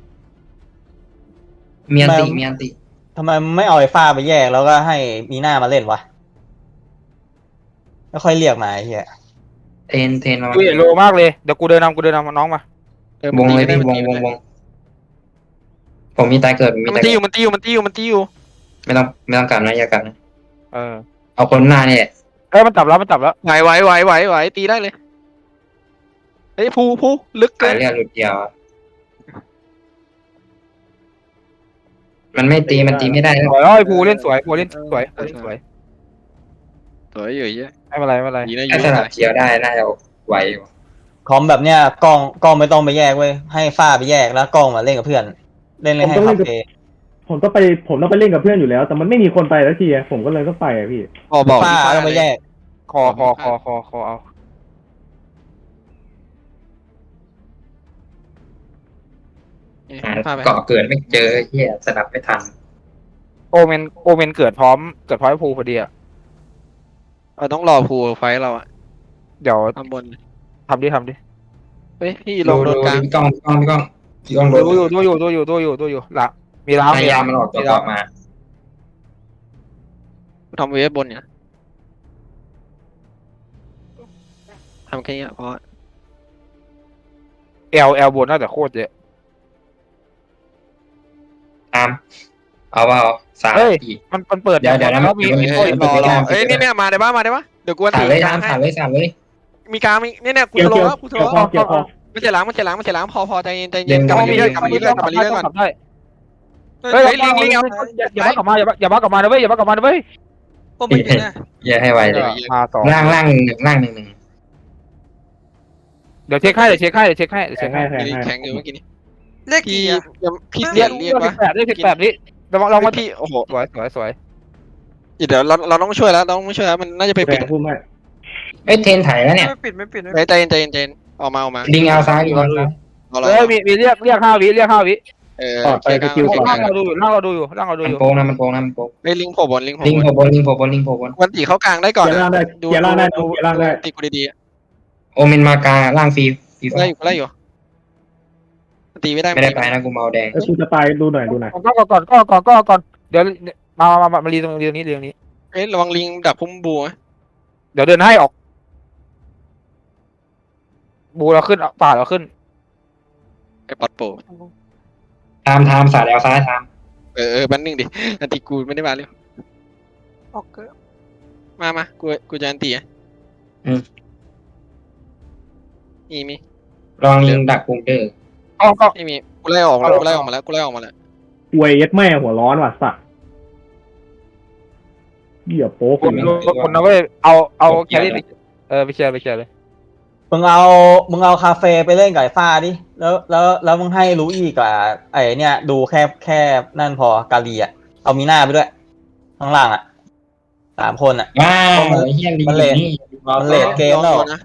Speaker 5: เมียนติ
Speaker 1: ทำไมไม่เอาไอ้ฟ้าไปแยกแล้วก็ให้มีหน้ามาเล่นวะไม่ค่อยเรียกมาไอ้เหี้ย
Speaker 5: เทนมา
Speaker 4: ดูเอโลมากเลยเดี๋ยวกูเดินนำน้องมา
Speaker 5: วงเลยพี่วงผมมีตายเกิด
Speaker 2: มันตีอยู่มันตีอยู่
Speaker 5: ไม่ต้องกลับนะอย่ากลับนะ
Speaker 4: เออ
Speaker 5: เอาคนหน้านี่แหละ
Speaker 4: มันจับแล้ว
Speaker 2: ไหวตีได้เลยเฮ้ยภูลึกเกิ
Speaker 5: ขาย
Speaker 2: น
Speaker 5: เลือดหลุดเดียวมันไม่ตีมันตีไม่ได้
Speaker 4: สวยแล้วไอ้ภูเล่นสวยภูเล่นสวย
Speaker 2: สวยอยู่เยอะ
Speaker 4: ไม่เป็นไร
Speaker 2: ดีนะอ
Speaker 5: ถ้า
Speaker 2: ยู่
Speaker 5: สลับเคียวได้น่าจะไหวอยู่
Speaker 1: คอมแบบเนี้ยกล้องไม่ต้องไปแยกเว้ยให้ฝ้าไปแยกแล้วกล้องมาเล่นกับเพื่อน เล่นให้คาเฟ่
Speaker 3: ผมต้องไปเล่นกับเพื่อนอยู่แล้ว แต่มันไม่มีคนไปแล้วทีอะผมก็เลยต้องไปอะพี่
Speaker 2: บอก
Speaker 1: ฝ้าต้องไปแยก
Speaker 4: คอเอา
Speaker 5: หาเกาะเกิดไม่เจอเฮียสลับไม่ทัน
Speaker 4: โอเมนเกิดพร้อมไอ้ภูพอดีอ่ะ
Speaker 2: เราต้องรอภูไฟเราอะ
Speaker 4: เดี๋ยว
Speaker 2: ข้างบน
Speaker 4: ทำดิ
Speaker 2: เฮ้ยพี่ลงโดนกลาง
Speaker 5: พี่ก้องโดน
Speaker 4: ดูอยู่ละมีล้าง
Speaker 5: พยายามมันออกตัวมา
Speaker 2: ทำเวฟบนเนี่ยทำแค่นี้พอ
Speaker 4: เอลบนน่าจะโคตรเยอะ
Speaker 5: ตามเอา3
Speaker 4: มันเปิด
Speaker 5: เดี๋ยวนะ
Speaker 4: แล้วมี
Speaker 2: รอเอ้ยเนี่ยมาได้ปะเดี๋ยวกู
Speaker 5: สามเลยตาม3เลย3เลย
Speaker 2: มีกลางเนี่ยกู
Speaker 3: เกี่ยว
Speaker 2: ทะเลาะแล้วกูทะ
Speaker 3: เกี่ยว
Speaker 2: เลาะ
Speaker 3: เกี่ยวพอ
Speaker 2: มันจะล้างพอใจเย็นกลับมาเรื่อยกลับมาเรื่อย
Speaker 4: ได้เฮ้ยลิงอย่าบ้ากลับมาอย่าบ้ากลับมานะเว้ย
Speaker 6: พวกมันอยู่เนี่ย
Speaker 5: อย่าให้ไวเลย
Speaker 4: มาต่อ
Speaker 5: ล่าง1
Speaker 4: เดี๋ยวเช็คให้
Speaker 3: แทงให้
Speaker 2: แข็งอยู่เมื่อกี้นี้
Speaker 6: เลข
Speaker 2: พี่
Speaker 6: กี่อะ
Speaker 2: พี่เรียกวะ
Speaker 4: ได้18นี่เรามา
Speaker 2: พี่โอ้โห
Speaker 4: สวย
Speaker 2: เดี๋ยวเราต้องช่วยแล้วมันน่าจะไป
Speaker 3: แท
Speaker 2: ปิด
Speaker 3: งพุ่มให้
Speaker 5: เทนถ่ายแล้วเนี่ย
Speaker 6: ไม่ปิด
Speaker 2: ใจเย็นออกมา
Speaker 5: ลิงเอาซ้ายลิงเอาซ้าย
Speaker 4: มีเรียก5 วิ
Speaker 3: ปลอดไปสกิลก่อน
Speaker 4: ร่างเราดูอยู่
Speaker 5: มันโป้งนะมันโป้ง
Speaker 2: ไอ้ลิงโผล่บน
Speaker 5: ลิงโผล่บน
Speaker 2: วันตีเข้ากลางได้ก่อน
Speaker 3: เกียร์ล่างได้เกียร์ล่างได้
Speaker 2: ตีกูดี
Speaker 5: โอเมนมากาล่างฟรี
Speaker 2: ๆไล่อยู่ตีไม่ได้
Speaker 5: ไม่ได้ไปนะกูเมาแดง
Speaker 3: กูจะไปดูหน่อยก่อน
Speaker 4: เดี๋ยวมารีตรงนี้
Speaker 2: เอ้ยระวังลิงดักพุ่มบัว
Speaker 4: เดี๋ยวเดินให้ออกบูเราขึ้นป่าเราขึ้น
Speaker 2: ไอ้ปัดโป
Speaker 5: ทามสาดแอลซ้ายทาม
Speaker 2: แป๊บนึงดิอันตีกูไม่ได้มาเร็ว
Speaker 6: ออกเกิด
Speaker 2: มากูจะอันตีอ่ะมี
Speaker 5: ลองลิงดักปุ่มเด้อ
Speaker 4: ก็
Speaker 2: ไม่มีกูไล่ออกมาแล้ว
Speaker 3: อวยยัดแม่หัวร้อนว่ะสัตว์เหี้ยโป๊ก
Speaker 4: คนนะเว้ยเอาแครี่ไปเชียร์เลย
Speaker 1: มึงเอาคาเฟ่ไปเล่นกับไอ้ฝ้าดิแล้วมึงให้รู้อีกกับไอ้เนี่ยดูแค่นั่นพอกาลีอ่ะเอามีหน้าไปด้วยข้างล่างอ่ะ3 คนอ่ะ
Speaker 5: ว้าวเฮียลิงนี่
Speaker 1: มันเลทเกมแล้ว
Speaker 2: นะ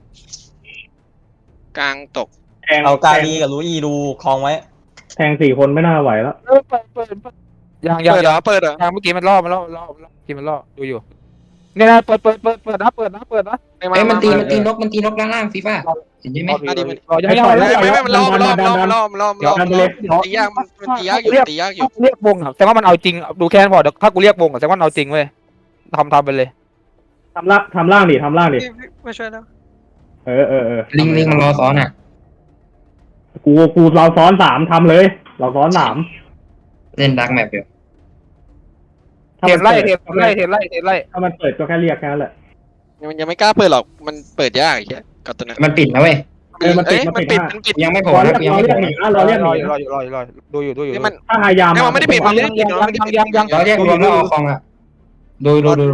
Speaker 2: กลางตก
Speaker 1: เอากาลีกับรู้อีดูคลองไว้
Speaker 3: แทง4 คนไม่น่าไหวแล้ว
Speaker 4: เปิดยัง
Speaker 2: เปิดเหรอ
Speaker 4: เมื่อกี้มันล่อกินมันล่อดูอยู่เนี่ยนะเปิดนะ
Speaker 5: มันตีนกล่างฟีฟ่าเห็นไหม
Speaker 2: ไม่มันล้อมตียากอยู่
Speaker 4: เรียกวงอ่ะแต่ว่ามันเอาจริงดูแค่นั้นพอเดี๋ยวถ้ากูเรียกวงอ่ะแต่ว่ามันเอาจริงเว้ยทำไปเลย
Speaker 3: ทำล่างดิ
Speaker 6: ไม่ช่วยแล้ว
Speaker 5: ลิงมันรอซ้อนอ่ะ
Speaker 3: กูเราซ้อน3ทำเลยเราซ้อน3
Speaker 5: เล่นดักแมปอยู่
Speaker 4: เทไล่
Speaker 3: ถ้ามันเปิดก็แค่เรียกแค่นั้นแหละ
Speaker 2: มันยังไม่กล้าเปิดหรอกมันเปิดยากอย่างเงี้ยกับตัวนั้น
Speaker 5: มันปิดนะเว้ย
Speaker 2: มันปิด
Speaker 5: ยังไม่โผล่
Speaker 3: รอ
Speaker 5: นะ
Speaker 3: เรียกหนีนะรอเรียกหนี
Speaker 4: ดูอยู่
Speaker 2: มัน
Speaker 3: ถ้าหายาม
Speaker 2: มันไม่ได้ปิดมันไม่ได้ปิด
Speaker 5: เราเรียกรวมแล้วเอาคองอ่ะดู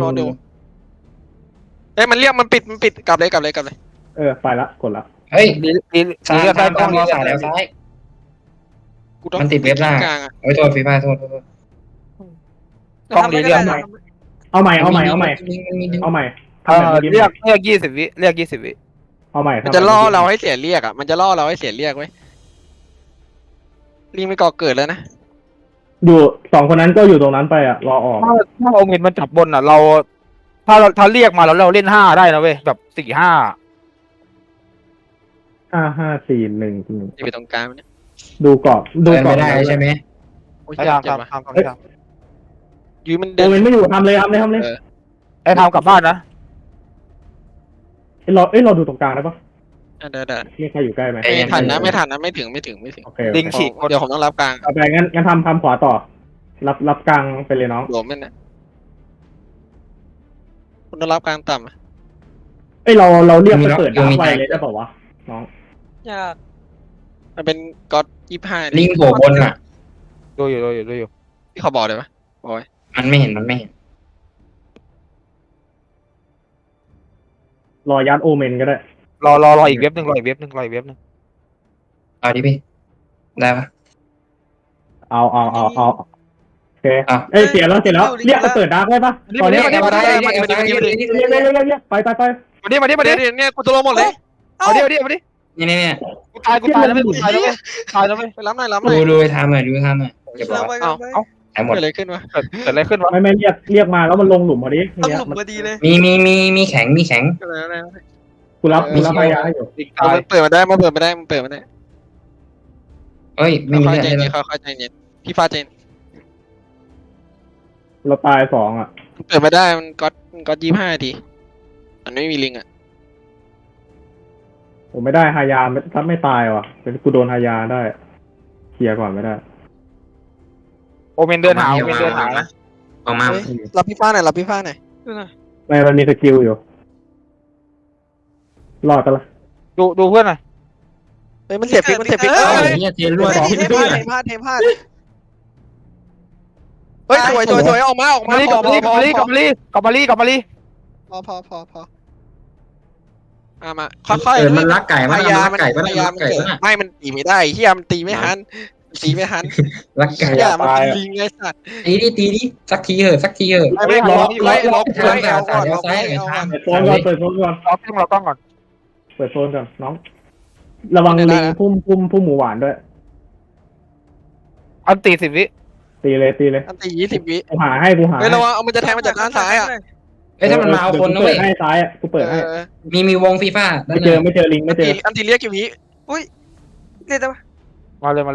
Speaker 2: เอ้ยมันเรียกมันปิดกลับเลย
Speaker 3: ไปละกดละ
Speaker 5: เฮ้ย
Speaker 4: ซ้าย
Speaker 5: ตามรอสายแล้วซ้าย
Speaker 2: กูต้อง
Speaker 5: มันติดเว็บล่าง
Speaker 2: กลางอ่ะ
Speaker 5: โอ้ยโทษฟีฟ่าโทษ
Speaker 3: เอาใหม่เอาใหม่
Speaker 4: เรียก20 วิ
Speaker 3: เอาใหม่
Speaker 2: มันจะล่อเราให้เสียเรียกอ่ะมันจะล่อเราให้เสียเรียกไว้ลิงไม่ก่อเกิดแล้วนะ
Speaker 3: อยู่2 คนนั้นก็อยู่ตรงนั้นไปอ่ะรอออก
Speaker 4: ถ้าเอาเงินมันจับบนอ่ะเราถ้าเรียกมาแล้วเราเล่น5ได้นะเว้ยแบบ4-5
Speaker 3: 5 4 1
Speaker 2: อยู่ตรงกลางเนี่ย
Speaker 3: ดูกรอบ
Speaker 5: ไม่ได้ใช่ไหม
Speaker 2: โอ้ย
Speaker 4: พยายาม
Speaker 2: เจ็บ
Speaker 4: ทำ
Speaker 2: ยืมมัน
Speaker 3: โอเมนไม่อยู่ทำเลย
Speaker 4: ไอ้ทำกลับบ้านนะ
Speaker 3: เราดูตรงกลางได้ปะ
Speaker 2: ได้
Speaker 3: มีใครอยู่ใกล้ไหม
Speaker 2: ไม่ทันนะไม่ทันนะไม่ถึง
Speaker 3: โอเค
Speaker 4: ลิงฉีก
Speaker 2: เดี๋ยวผมต้องรับกลาง
Speaker 3: เอาไปงั้นทำขวาต่อ รับกลางไปเลยน้อง
Speaker 2: หลวมนั่นนะคุณต้องรับกลางต่ำอะ
Speaker 3: เราเรียกไปเปิดดาร์กไวเลยได้ป่าวะน้อง
Speaker 6: ยาก
Speaker 2: มันเป็นก๊อต25
Speaker 5: ลิงโผล่บนอ่ะ
Speaker 4: ดูอยู่
Speaker 2: ที่เขาบอกเลยปะบอกไว้
Speaker 5: มันไม่เห็น
Speaker 3: รอยัดโอเมนก็ได้
Speaker 4: รออีกเว็บหนึ่งรออีกเว็บหนึ่ง
Speaker 5: เอาดิพี่ได้ปะ
Speaker 3: เอาโอเค
Speaker 5: อ่ะ
Speaker 3: เสียแล้วเรียกไปเปิดดาร์กได้ปะตอนนี้
Speaker 4: มาดิ
Speaker 3: เรียกไป
Speaker 4: มาดิ
Speaker 2: เดี๋ยวเนี่ยกูตัวลงหมดเลย
Speaker 4: เอาดิ
Speaker 5: นี่
Speaker 4: กูตายแล้วไม่ตายแล้วไม่
Speaker 2: ไปรับหน่อย
Speaker 5: ดูไปทำหน่อยเก็บ
Speaker 6: เรา
Speaker 5: ไว้
Speaker 6: ไปกันไป
Speaker 5: หายหมด
Speaker 2: เกิดอะไรขึ้นวะ
Speaker 4: เกิดอะไรขึ้นวะ
Speaker 3: ไม่เรียกมาแล้วมันลงหลุมพอดี
Speaker 6: ต้องหลุมพอดีเลย
Speaker 5: มีแข็ง
Speaker 2: เกิดอะไร
Speaker 3: กูรับพยาอยู่
Speaker 4: อีก
Speaker 2: เอา
Speaker 4: ตาย
Speaker 2: มันเปิดมาได้มันเปิดมาได้
Speaker 5: เอ้ยไม่มี
Speaker 2: ค่อย
Speaker 5: เลือด
Speaker 2: ใจ
Speaker 5: เลย
Speaker 2: เย็นค่อยใจเย็นพี่ฟ้าใจเย็น
Speaker 3: เราตาย2อ่ะ
Speaker 2: เปิดมาได้มันก๊อต25 ทีมันไม่มีลิงอ่ะ
Speaker 3: ผมไม่ได้ฮายาถ้าไม่ตายว่ะเป็นกูโดนฮายาได้เคลียร์ก่อนไม่ได้
Speaker 4: โอเมนเดินหานะ
Speaker 5: ออกมา
Speaker 2: รับพี่ฟ้าหน่อย
Speaker 6: ดูหน่อย
Speaker 3: ไม่มันมีสกิลอยู่ รอดปะล่ะ
Speaker 4: ดูเพื่อนหน่อย
Speaker 2: เฮ้ยมันเสียฟิก
Speaker 5: เอ้ยเนี่ยเทรั่ว
Speaker 6: เทพลาด
Speaker 2: เฮ้ยสวยออกมา
Speaker 4: กลับมาลี
Speaker 2: พอมาค่อย
Speaker 5: มันรักไก่
Speaker 2: พ
Speaker 5: มัน
Speaker 2: ยายาม
Speaker 5: รักไก่มัน
Speaker 2: พยายาม
Speaker 5: รักไก่มัน
Speaker 2: ไม่มันตีไม่ได้เฮียมันตีไม่ทัน
Speaker 5: รักไก่
Speaker 2: เฮียมันเป็นลิงไงสัตว์
Speaker 5: ตีดิสักทีเหอะ
Speaker 2: ไม่ล็อกเอาก่อน
Speaker 3: เปิดโซนก่อน
Speaker 4: เราต้องก่อน
Speaker 3: เปิดโซนก่อนน้อง ระวังลิงพุ่มหมูหวานด้วย
Speaker 4: อันตี10 วิ
Speaker 3: ตีเลย
Speaker 2: อันตี20 วิ
Speaker 3: กูหาให้
Speaker 2: ไม่ระวังเอามันจะแทงมาจากด้านซ้ายอ่ะ
Speaker 5: เอ้ยถ้ามันมาเอาคนนะเว้ย
Speaker 3: ให้ซ้ายอ่ะกูเปิดให้
Speaker 5: มีวงฟีฟ่า
Speaker 3: ไม่เจอลิงไม่เจอ
Speaker 2: อันตีเรียกกี่วิ
Speaker 6: เรียกได้ปะ
Speaker 4: มาเลย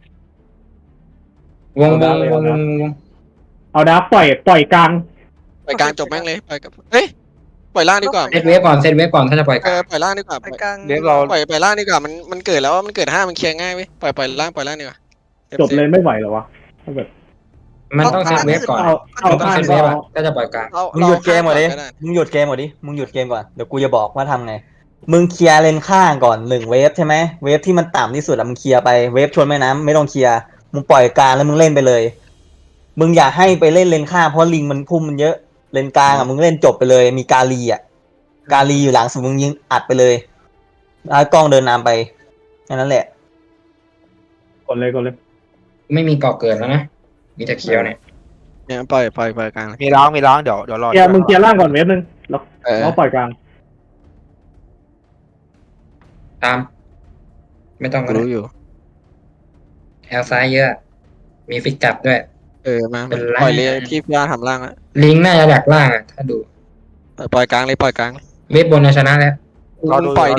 Speaker 5: วง
Speaker 3: เอาดาร์กปล่อยกลาง
Speaker 2: ปล่อยกลางจบแม่งเลยปล่อยกับเฮ้ยปล่อยล่างดีกว่า
Speaker 5: เซตเวฟก่อนถ้าจะปล่อย
Speaker 2: ปล่อยล่างดีกว่า
Speaker 6: ไปกลาง
Speaker 4: เดี๋ยวเรา
Speaker 2: ปล่อยล่างดีกว่ามันเกิดแล้วมันเกิด5มันเคลียร์ง่ายเว้ยปล่อยล่างดีกว่า
Speaker 3: จบเลยไม่ไหวเหรอวะถ้าแบบ
Speaker 5: มันต้องเซตเวฟก่อน
Speaker 3: เอา
Speaker 5: ต้อง
Speaker 3: ข้าง
Speaker 5: เซตเว
Speaker 3: ก็
Speaker 5: ฟถ้าจะปล่อยกลาง
Speaker 1: มึงหยุดเกมก่อนดิมึงหยุดเกมก่อนเดี๋ยวกูจะบอกว่าทำไงมึงเคลียร์เลนข้างก่อน1เวฟใช่ไหมเวฟที่มันต่ำที่สุดอะมึงเคลียร์ไปเวฟชนแม่น้ำไม่ต้องเคลียร์มึงปล่อยกลางแล้วมึงเล่นไปเลยมึงอย่าให้ไปเล่นเลนข้างเพราะลิงมันพุ่มมันเยอะเลนกลางอะมึงเล่นจบไปเลยมีกาลีอยู่หลังสุดมึงยิงอัดไปเลยแล้วกล้องเดินนำไปแค่นั้นแหละ
Speaker 3: กดเลย
Speaker 5: ไม่มีเกาะเกิดแล้วนะมีแต่เคียวเนี่ย
Speaker 2: เนี่ยปล่อยกลาง
Speaker 4: มีล้างเดี๋ยวรอ
Speaker 3: มึงเคลียร์ล่างก่อนเวฟนึงแล้วปล่อยกลาง
Speaker 5: ตาม ไม่ต้องก็
Speaker 2: รู้อยู่
Speaker 5: แอลซ้ายเยอะ มีฟิกจับด้วย
Speaker 2: มาปล่อยเลยพี่ฟ้าทำล่างอะ
Speaker 5: ลิงน่าจะดักล่างอ่ะถ้าดู
Speaker 2: ปล่อยกลางเลย
Speaker 5: เวฟบนชนะแล้ว
Speaker 4: รอดู
Speaker 2: ปล่อยดิ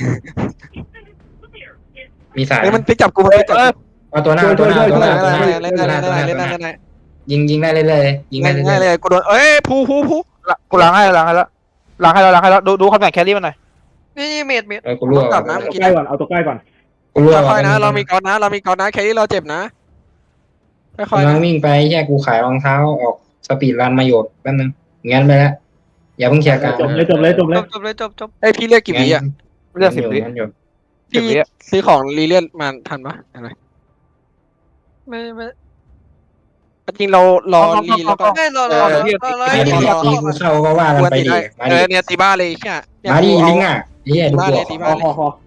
Speaker 5: มีสาย
Speaker 2: เฮ้ยมันพลิกจับกูมันพลิกจับ
Speaker 5: เอาตัวหน้า
Speaker 2: เล่นได้
Speaker 5: ยิงได้เลยยิงได้
Speaker 2: ง่าย
Speaker 5: เล
Speaker 2: เลย ยกูโดนผู้
Speaker 4: กูล้างให้แล้วดูคำแบ่งแครี่มันหน่อย
Speaker 6: นี่เมด
Speaker 5: กูรั่ว
Speaker 2: กลับนะ
Speaker 3: เอาตัวใกล้ก่อน
Speaker 5: กูรั่ว
Speaker 2: ค่อยๆนะเรามีกอนนะแค่นี้เราเจ็บนะค่อยๆ
Speaker 5: กำลั
Speaker 2: นะ
Speaker 5: งวิ่งไปแค่กูขายรองเท้าออกสปีดรันมาโยดแป๊บนึงงั้นไปแล้วอย่าเพิ่งเคลียร์กัน
Speaker 3: จบเลย
Speaker 6: จบเลย
Speaker 2: พี่เรียกกี่วิอ่ะ
Speaker 4: เลือก10 วิ
Speaker 5: งั้นอยู่
Speaker 2: พี่ซื้อของรีเลียนมาทันปะอะไร
Speaker 6: ไม่
Speaker 2: จริงเรารอรีแล้วก็
Speaker 6: ไม่รอ
Speaker 5: ตีกูเข้าก็ว่ากันไปดิมาดิ
Speaker 2: เนี่ยตีบ้าเลยแค่
Speaker 5: มาดิลิงอ่ะเฮียดูกูออก
Speaker 3: พอ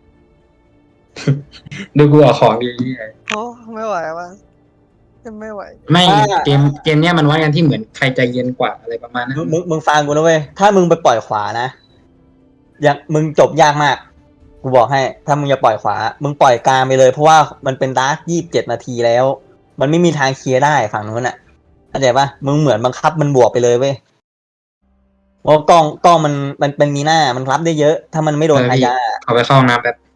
Speaker 5: ดูกูออกของดีเฮีย
Speaker 6: โอ้ไม่ไหวว่ะไม่ไหว
Speaker 5: ไม่เกมเนี้ยมันวัดกันที่เหมือนใครใจเย็นกว่าอะไรประมาณนั้น
Speaker 1: มึงฟังกูนะเว้ยถ้ามึงไปปล่อยขวานะอย่างมึงจบยากมากกูบอกให้ถ้ามึงจะปล่อยขวามึงปล่อยกลางไปเลยเพราะว่ามันเป็นดาร์ก27 นาทีแล้ว มันไม่มีทางเคลียร์ได้ฝั่งนู้นอ่ะเข้าใจปะมึงเหมือนบังคับมันบวกไปเลยเว้ยเพราะกล้องมันมีหน้ามันรับได้เยอะ ถ้ามันไม่โดนพยา
Speaker 5: เขาไปเข้าห้องน้ำแบบ